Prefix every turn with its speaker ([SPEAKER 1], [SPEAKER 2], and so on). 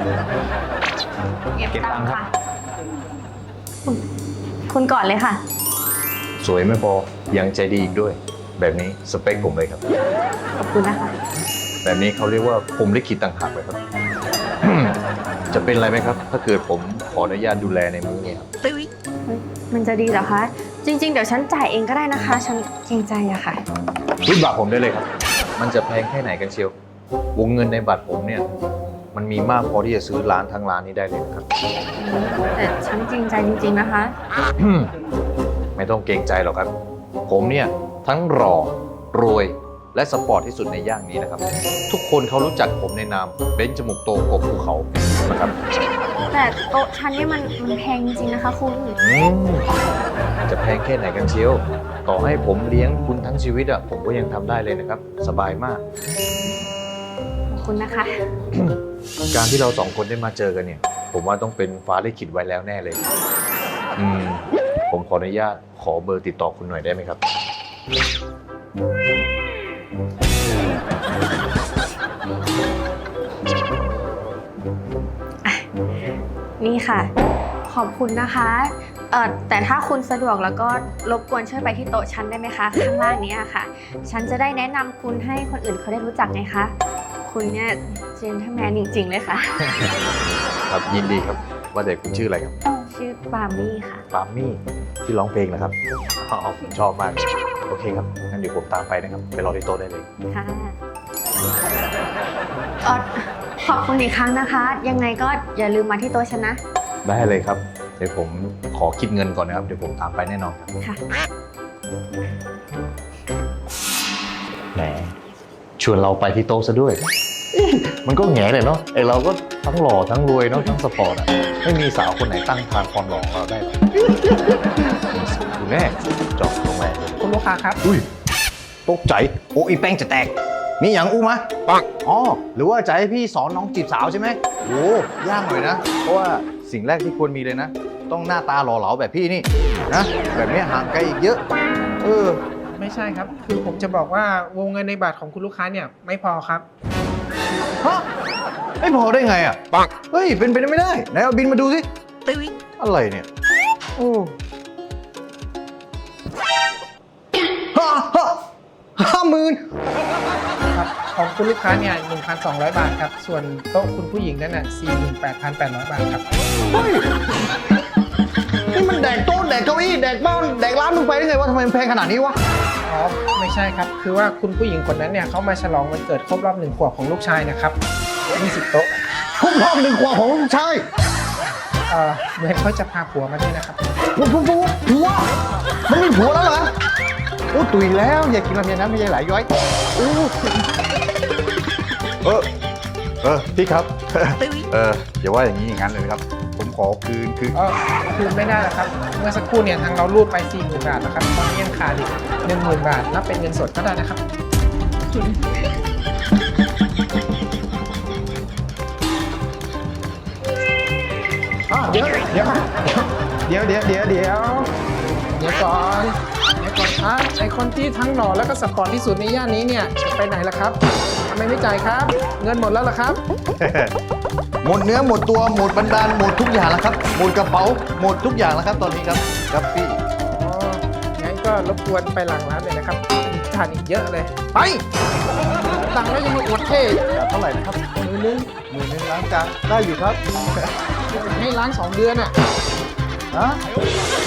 [SPEAKER 1] เก็บตังค์ค่ะ
[SPEAKER 2] คุณก่อนเลยค่ะ
[SPEAKER 3] สวยไม่พอยังใจดีอีกด้วย แบบนี้สเปคผมเลยครับ
[SPEAKER 2] ขอบคุณนะคะ
[SPEAKER 3] แบบนี้เขาเรียกว่าผมลิขิตต่างหากเลยครับ จะเป็นอะไรไหมครับ ถ้าเกิดผมขออนุญาตดูแลในมื้อนี้ครับ
[SPEAKER 2] มันจะดีเหรอคะ จริง ๆ เดี๋ยวฉันจ่ายเองก็ได้นะคะ ฉันเกรงใจอะค่ะ
[SPEAKER 3] รูดบัตรผมได้เลยครับ มันจะแพงแค่ไหนกันเชียว วงเงินในบัตรผมเนี่ย มันมีมากพอที่จะซื้อร้านทั้งร้านนี้ได้เลยนะครับ
[SPEAKER 2] แต่ฉันจริงใจจริง ๆนะคะ
[SPEAKER 3] ไม่ต้องเกรงใจหรอกครับ ผมเนี่ยทั้งหล่อรวยและสปอร์ตที่สุดในย่างนี้นะครับ ทุกคนเขารู้จักผมในนามเบนจมูกโตกบภูเขานะครับ
[SPEAKER 2] แต่โต๊ะฉันนี่มันแพงจริงๆนะคะคุณ
[SPEAKER 3] จะแพงแค่ไหนกันเชียว ต่อให้ผมเลี้ยงคุณทั้งชีวิตอะผมก็ยังทำได้เลยนะครับ สบายมาก
[SPEAKER 2] ขอบคุณนะคะ
[SPEAKER 3] การที่เราสองคนได้มาเจอกันเนี่ย ผมว่าต้องเป็นฟ้าลิขิตไว้แล้วแน่เลย ผมขออนุญาตขอเบอร์ติดต่อคุณหน่อยได้ไหมครับ
[SPEAKER 2] นี่ค่ะ ขอบคุณนะคะ แต่ถ้าคุณสะดวกแล้วก็รบกวนช่วยไปที่โต๊ะฉันได้ไหมคะ ข้างล่างนี้อะค่ะ ฉันจะได้แนะนำคุณให้คนอื่นเขาได้รู้จักไงคะ คุณเนี่ยเจนทแมนจริงๆเลยค่ะ
[SPEAKER 3] ครับยินดีครับ ว่าแต่คุณชื่ออะไรครับ
[SPEAKER 2] ชื่อปามี่ค่ะ
[SPEAKER 3] ปามี่ที่ร้องเพลงนะครับอ๋อผมชอบมาก โอเคครับ งั้นเดี๋ยวผมตามไปนะครับ ไปรอที่โต๊ะได้เลย
[SPEAKER 2] ค่ะขอบคุณอีกครั้งนะคะ ยังไงก็อย่าลืมมาที่โต๊ะฉันนะ
[SPEAKER 3] ได้เลยครับ เดี๋ยวผมขอคิดเงินก่อนนะครับ เดี๋ยวผมตามไปแน่นอนครับ
[SPEAKER 2] ค่ะ
[SPEAKER 3] แหมชวนเราไปที่โต๊ะซะด้วย มันก็แง่เลยเนาะไอเราก็ทั้งหล่อทั้งรวยเนาะทั้งสปอร์ตอ่ะไม่มีสาวคนไหนตั้งทานความหล่อของเราได้หรอกดูแน่จอบตรงไหน
[SPEAKER 4] คุณลูกค้าครับ
[SPEAKER 3] อุ้ยตกใจโอ้อีแป้งจะแตกมีอย่างอู้มะปังอ๋อหรือว่าจะให้พี่สอนน้องจีบสาวใช่ไหมโอ้ยากหน่อยนะเพราะว่าสิ่งแรกที่ควรมีเลยนะ ต้องหน้าตาหล่อเหลาแบบพี่นี่นะแบบนี้ห่างไกลอีกเยอะ
[SPEAKER 4] ไม่ใช่ครับ คือผมจะบอกว่าวงเงินในบัตรของคุณลูกค้าเนี่ยไม่พอครับ
[SPEAKER 3] ฮะไม่พอได้ไงอ่ะปังเฮ้ยเป็นไปได้ไม่ได้ไหนเอาบินมาดูสิอะไรเนี่ยโอ้50,000
[SPEAKER 4] ครับ ของคุณลูกค้าเนี่ย 1,200 บาทครับ ส่วนโต๊ะคุณผู้หญิงนั่นน่ะ 48,800 บาทครับ
[SPEAKER 3] เฮ้ยนี่มันแดกโต๊ะแดกเก้าอี้แดกบ้านแดกร้านมึงไปได้ไงวะทำไมมันแพงขนาดนี้วะ
[SPEAKER 4] อ๋อ ไม่ใช่ครับ คือว่าคุณผู้หญิงคนนั้นเนี่ยเขามาฉลองวันเกิดครบรอบ1 ขวบของลูกชายนะครับ20โต๊ะ
[SPEAKER 3] ครบรอบ1 ขวบของลูกชาย
[SPEAKER 4] เหมือนเขาจะพาผัวมาด้วยนะครับ
[SPEAKER 3] ผัวมันมีผัวแล้วเหรอโอ้ตุยแล้วอย่ากินลำไยน้ำลำไยไหลย้อยโอ้พี่ครับ อย่าว่าอย่างนี้อย่างนั้นเลยครับ ผมขอคืน
[SPEAKER 4] คืนไม่ได้แล้วครับ เมื่อสักครู่เนี่ยทางเรารูดไป 40,000 บาทนะครับ ตอนนี้ยังขาดอีก 10,000 บาท นับเป็นเงินสดก็ได้นะครับ เดี๋ยวก่อนครับไอคนที่ทั้งหล่อแล้วก็สปอร์ตที่สุดในย่านนี้เนี่ยจะไปไหนล่ะครับทำไมไม่จ่ายครับ เงินหมดแล้วล่ะครับ
[SPEAKER 3] หมดเนื้อหมดตัวหมดบันดาลหมดทุกอย่างแล้วครับหมดกระเป๋าหมดทุกอย่างแล้วครับตอนนี้ครับครับพี่
[SPEAKER 4] อ๋อ งั้นก็รบกวนไปหลังร้านเลยนะครับมีทานอีกเยอะเลย
[SPEAKER 3] ไป
[SPEAKER 4] ตังค์แล้วยังมาอวดเท่
[SPEAKER 3] เท่าไหร่นะครับ10,000ล้างจานได้อยู่ครับ
[SPEAKER 4] ให้ล้าง2 เดือนอ่ะ
[SPEAKER 3] ฮะ